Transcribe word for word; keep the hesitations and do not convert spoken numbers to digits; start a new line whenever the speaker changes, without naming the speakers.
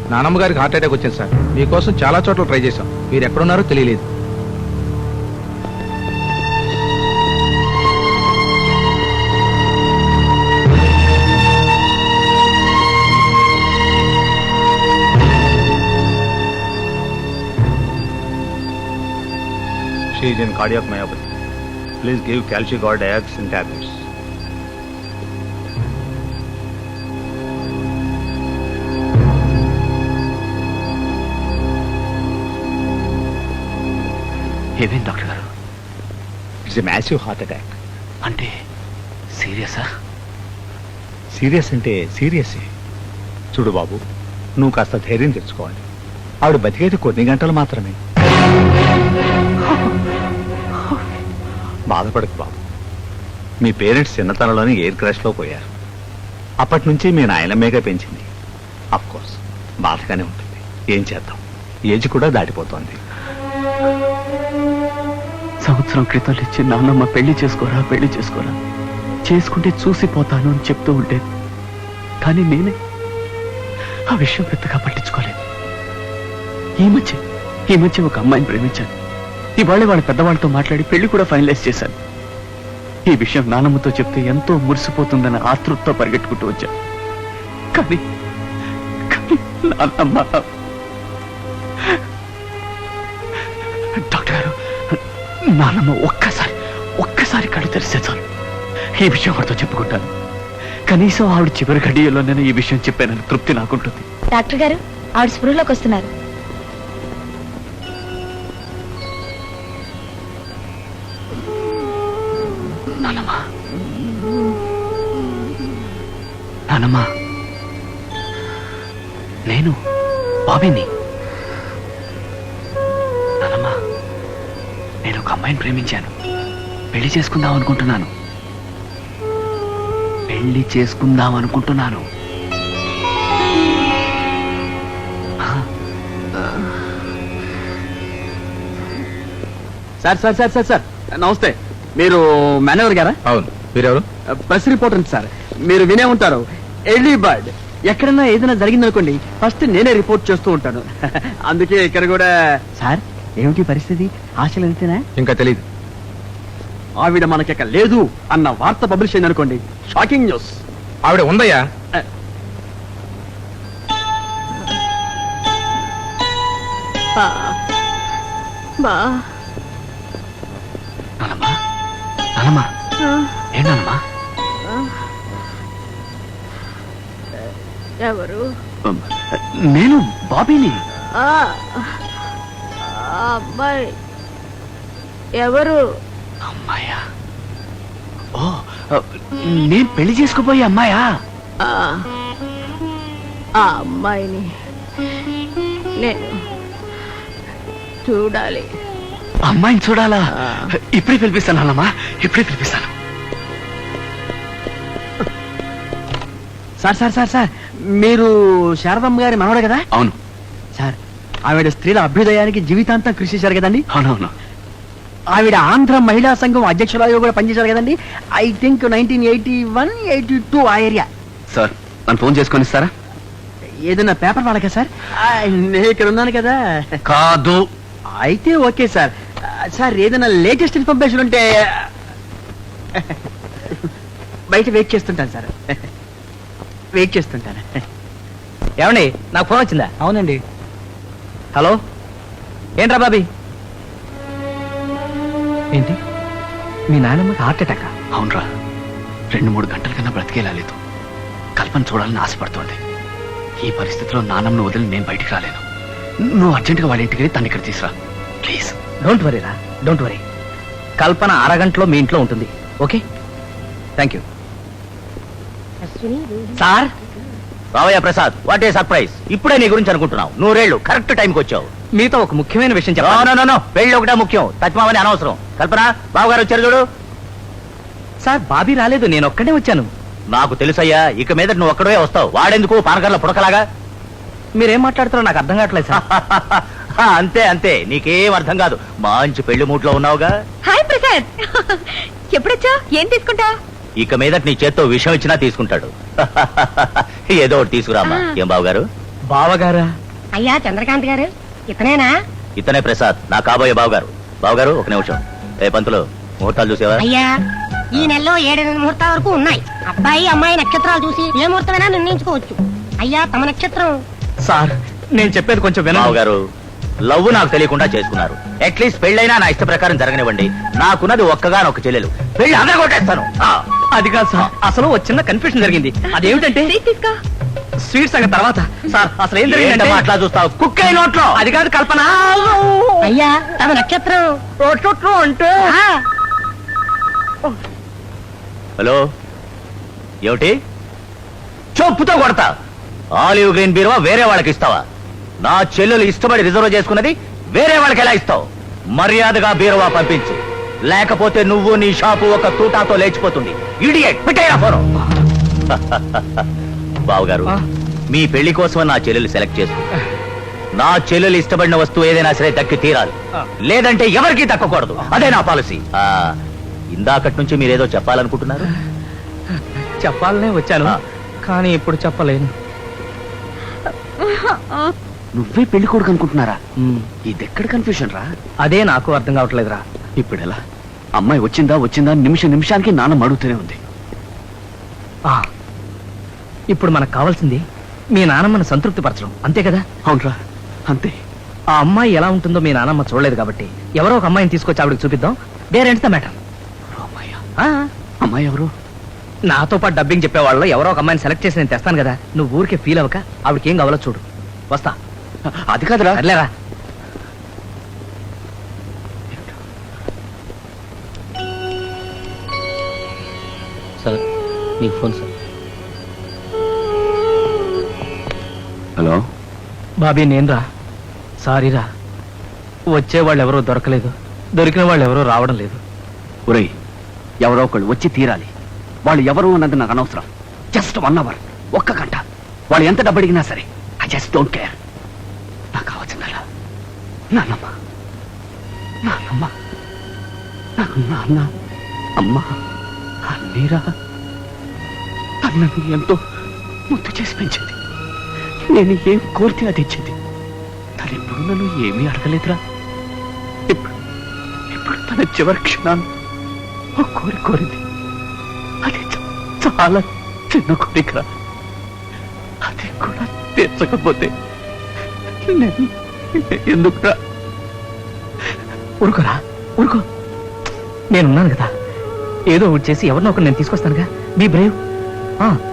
నానమ్మ గారికి heart attack వచ్చింది సార్. మీకోసం చాలా చోట్ల ట్రై చేశాం. మీరు ఎక్కడున్నారో తెలియలేదు.
She is in cardiac myopathy. Please give Calcigard X in tablets.
ఏమేం డాక్టర్ గారు?
It's a massive heart attack.
అంటే సీరియసా?
సీరియస్ అంటే సీరియస్. చూడు బాబు, నువ్వు కాస్త ధైర్యం తెచ్చుకోవాలి. ఆవిడ బతికేది కొన్ని గంటలు మాత్రమే. బాధపడకు బాబు. మీ పేరెంట్స్ చిన్నతనంలోనే ఎయిర్ క్రాష్ లో పోయారు. అప్పటి నుంచి మీ నాయనమ్మేగా పెంచింది. అఫ్ కోర్స్ బాధగానే ఉంటుంది. ఏం చేద్దాం, ఏజ్ కూడా దాటిపోతోంది.
సంవత్సరం క్రితం ఇచ్చి నాన్నమ్మ పెళ్లి చేసుకోరా పెళ్లి చేసుకోరా చేసుకుంటే చూసిపోతాను అని చెప్తూ ఉండేది. కానీ నేనే ఆ విషయం పెద్దగా పట్టించుకోలేదు. ఈ మధ్య ఈ మధ్య ఒక అమ్మాయిని ప్రేమించాను. ఇవాళ వాళ్ళ పెద్దవాళ్ళతో మాట్లాడి పెళ్లి కూడా ఫైనలైజ్ చేశాను. ఈ విషయం నానమ్మతో చెప్తే ఎంతో మురిసిపోతుందన్న ఆతృతతో పరిగెట్టుకుంటూ వచ్చాను. కానీ కానీ నాన్నమ్మ. డాక్టర్ గారు, నాన్నమ్మ ఒక్కసారి ఒక్కసారి కళ్ళు తెరిస్తే చాలు ఈ విషయం ఆవిడతో చెప్పుకుంటాను. కనీసం ఆవిడ చివరి గడియలో నేను ఈ విషయం చెప్పానని తృప్తి నాకుంటుంది.
డాక్టర్ గారు, ఆవిడ స్పృహలోకి వస్తున్నారు.
నానమ్మా నానమ్మా నేను బాబీని. నానమ్మా, నేను ఒక అమ్మాయిని ప్రేమించాను. పెళ్లి చేసుకుందాం అనుకుంటున్నాను పెళ్లి చేసుకుందాం అనుకుంటున్నాను sir sir sir sir sir నమస్తే. మీరు మేనేజర్ గారా?
అవును. మీరెవరు?
Press reporter sir. మీరు వినే ఉంటారు, ఎర్లీ బర్డ్. ఎక్కడన్నా ఏదైనా జరిగిందనుకోండి ఫస్ట్ నేనే రిపోర్ట్ చేస్తూ ఉంటాను. అందుకే ఇక్కడ కూడా. సార్, ఏమిటి పరిస్థితి? ఆశలు ఎంతేనా?
ఇంకా తెలియదు.
ఆవిడ మనకిక లేదు అన్న వార్త పబ్లిష్ అయింది అనుకోండి, షాకింగ్ న్యూస్.
ఆవిడ ఉందయ్యా. నానమ్మా నానమ్మా ఏంటమ్మా?
ఎవరు?
నేను బాబీని.
అమ్మాయి ఎవరు?
అమ్మాయా? ఓ, నేను పెళ్లి చేసుకుపోయే అమ్మాయా?
ఆ అమ్మాయిని నేను చూడాలి.
అమ్మాయిని చూడాలా? ఇప్పుడే పిలిపిస్తాను అన్నమ్మా, ఇప్పుడే పిలిపిస్తాను. సార్ సార్ సార్ సార్ మీరు శారదమ్మ గారి మనవడే కదా? అవును సార్. ఆవిడ స్త్రీల అభ్యుదయానికి జీవితాంతం కృషి చేశారు కదండి? అవునవును. ఆవిడ ఆంధ్ర మహిళా సంఘం అధ్యక్షురాలుగా కూడా పనిచేశారు కదండి? I think nineteen eighty one eighty two ఆ ఏరియా. సార్, నన్ను ఫోన్ చేసుకొని ఇస్తారా? ఏదైనా పేపర్ వాళ్ళకా సార్? నేను ఇక్కడ ఉన్నాను కదా. కాదు. అయితే ఓకే సార్. సార్, ఏదైనా లేటెస్ట్ ఇన్ఫర్మేషన్ ఉంటే బయట వెయిట్ చేస్తుంటాను సార్. వెయిట్ చేస్తుంటాను.
ఏమండి, నాకు ఫోన్ వచ్చిందా?
అవునండి.
హలో, ఏంట్రా బాబీ?
ఏంటి, మీ నాన్నమ్మకి హార్ట్ అటాక్? అవునరా, రెండు మూడు గంటల కన్నా బ్రతికేలా లేదు. కల్పన చూడాలని ఆశపడుతోంది. ఈ పరిస్థితిలో నాన్నమ్మను వదిలి నేను బయటికి రాలేను. నువ్వు అర్జెంటుగా వాళ్ళ ఇంటికి వెళ్ళి తను ఇక్కడ తీసురా ప్లీజ్.
డోంట్ వరీ రా, డోంట్ వరీ. కల్పన అరగంటలో మీ ఇంట్లో ఉంటుంది. Okay, thank you. సార్, రావయ్య ప్రసాద్, వాట్ ఏ సర్ప్రైజ్. ఇప్పుడే నీ గురించి అనుకుంటున్నావు. నూరేళ్లు కరెక్ట్ టైంకి వచ్చావు. మీతో ఒక ముఖ్యమైన విషయం చెప్పాను. పెళ్లి ఒకటే ముఖ్యం, తత్మామని అనవసరం. కల్పన, బావగారు వచ్చారు చూడు. సార్, బాబీ రాలేదు, నేను ఒక్కడే వచ్చాను. నాకు తెలుసయ్యా, ఇక మీద నువ్వు ఒక్కడే వస్తావు. వాడెందుకు పానకర్ల పుడకలాగా? మీరేం మాట్లాడుతారో నాకు అర్థం కావట్లేదు సార్. అంతే అంతే, నీకేం అర్థం కాదు. మంచి పెళ్లి మూట్లో ఉన్నావుగా.
హాయ్ ప్రసాద్, ఎప్పుడొచ్చా? ఏం తీసుకుంటా?
ఇక మీద నీ చేత్తో విషయం ఇచ్చినా తీసుకుంటాడు. ఏదో ఒకటి తీసుకురామ్మా. ఏం బాబు గారు?
బావగారా?
అయ్యా చంద్రకాంత్ గారు ఇతనేనా?
ఇతనే ప్రసాద్, నా కాబోయే బావగారు. బావగారు ఒక నిమిషం. ఏ పంతులు, ముహూర్తాలు చూసేవా?
అయ్యా ఈ నెలలో ఏడెనిమిది ముహూర్తాల వరకు ఉన్నాయి. అబ్బాయి అమ్మాయి నక్షత్రాలు చూసి ఏ ముహూర్తమైనా నిర్ణయించుకోవచ్చు. అయ్యా తమ నక్షత్రం.
సార్ నేను చెప్పేది కొంచెం వినండి.
బావగారు, లవ్ నాకు తెలియకుండా చేసుకున్నారు. అట్లీస్ట్ పెళ్ళైనా నా ఇష్ట ప్రకారం జరగనివ్వండి. నాకున్నది ఒక్కగానొక్క చెల్లెలు. పెళ్లి అందరూ కొట్టేస్తాను. ఆ,
అది కాదు సార్, అసలు ఒక చిన్న కన్ఫ్యూషన్ జరిగింది. అదేమిటంటే
స్వీట్ తీసుకో.
స్వీట్స్ సంగతి తర్వాత. సార్ అసలు ఏం జరిగిందంటే
ఏంటమ్మా అట్లా చూస్తావు? కుక్క అయి నోట్లో.
అది కాదు కల్పన.
అయ్యా తమ నక్షత్రం.
అంటే
ఆ,
హలో, ఏమిటి? చెప్పుతో కొడతా. ఆలివ్ గ్రీన్ బీరువా వేరే వాళ్ళకి ఇస్తావా? నా చెల్లెలు ఇష్టపడి రిజర్వ్ చేసుకున్నది వేరే వాళ్ళకి ఎలా ఇస్తావు? మర్యాదగా బీరువా పంపించు, లేకపోతే నువ్వు నీ షాపు ఒక తూటాతో లేచిపోతుంది. Idiot, పెట్టేయరా phone. బావగారు,
ఆ?
మీ పెళ్లి కోసం నా చెల్లెలు సెలెక్ట్ చేసుకో. నా చెల్లెలు ఇష్టపడిన వస్తువు ఏదైనా సరే దక్కి తీరాలి,
ఆ.
లేదంటే ఎవరికీ దక్కకూడదు. అదే నా పాలసీ. ఆ, ఇందాకటి నుంచి మీరేదో చెప్పాలనుకుంటున్నారు.
చెప్పాలనే వచ్చాను,
ఆ.
కానీ ఇప్పుడు చెప్పలేను.
నువ్వే పెళ్లి కొడుకు అనుకుంటున్నారా? ఇది ఎక్కడ కన్ఫ్యూషన్ రా?
అదే నాకు అర్థం కావట్లేదురా.
ఇప్పుడు ఎలా? అమ్మాయి వచ్చిందా వచ్చిందా నిమిషం నిమిషానికి నాన్న అడుగుతూనే ఉంది.
ఆ, ఇప్పుడు మనకు కావాల్సింది మీ నానమ్మను సంతృప్తి పరచడం, అంతే కదా?
అవునరా, అంతే.
ఆ అమ్మాయి ఎలా ఉంటుందో మీ నానమ్మ చూడలేదు కాబట్టి ఎవరో ఒక అమ్మాయిని తీసుకొచ్చి ఆవిడకి చూపిద్దాం. There ends the matter.
అమ్మాయి అమ్మాయి ఎవరు?
నాతో పాటు డబ్బింగ్ చెప్పేవాళ్ళు ఎవరో ఒక అమ్మాయిని సెలెక్ట్ చేసి నేను తెస్తాను కదా. నువ్వు ఊరికే ఫీల్ అవ్వక ఆవిడకి ఏం కావాలో చూడు. వస్తా.
అది కాదురా.
అట్లేరా.
సార్, మీకు ఫోన్ సార్.
హలో,
బాబీ నేనురా. సారీరా, వచ్చేవాళ్ళు ఎవరో దొరకలేదు, దొరికిన వాళ్ళు ఎవరో రావడం లేదు.
ఒరేయ్, ఎవరో ఒకళ్ళు వచ్చి తీరాలి. వాళ్ళు ఎవరు అన్నది నాకు అనవసరం. జస్ట్ వన్ అవర్, ఒక్క గంట. వాళ్ళు ఎంత డబ్బు అడిగినా సరే, ఐ జస్ట్ డోంట్ కేర్. నాకు కావాల్సిందలా నాన్నమ్మ, నాన్నమ్మ, నాకు నాన్న అమ్మ అన్నీరా. అన్నని ఎంతో ముద్దు చేసి పెంచింది. నేను ఏం కోరితే అది ఇచ్చింది. తను ఎప్పుడు నన్ను ఏమీ అడగలేదురా. ఇప్పుడు ఇప్పుడు తన చివరి క్షణాన్ని ఓ కోరిక కోరింది. అది చ- చాలా చిన్న కోరికరా. అది కూడా తీర్చకపోతే నేను ఎందుకురా?
ఊరుకోరా, ఊరుకో. నేనున్నాను కదా, ఏదో ఒకటి చేసి ఎవరినో ఒకరు నేను తీసుకొస్తానుగా. Be Brave.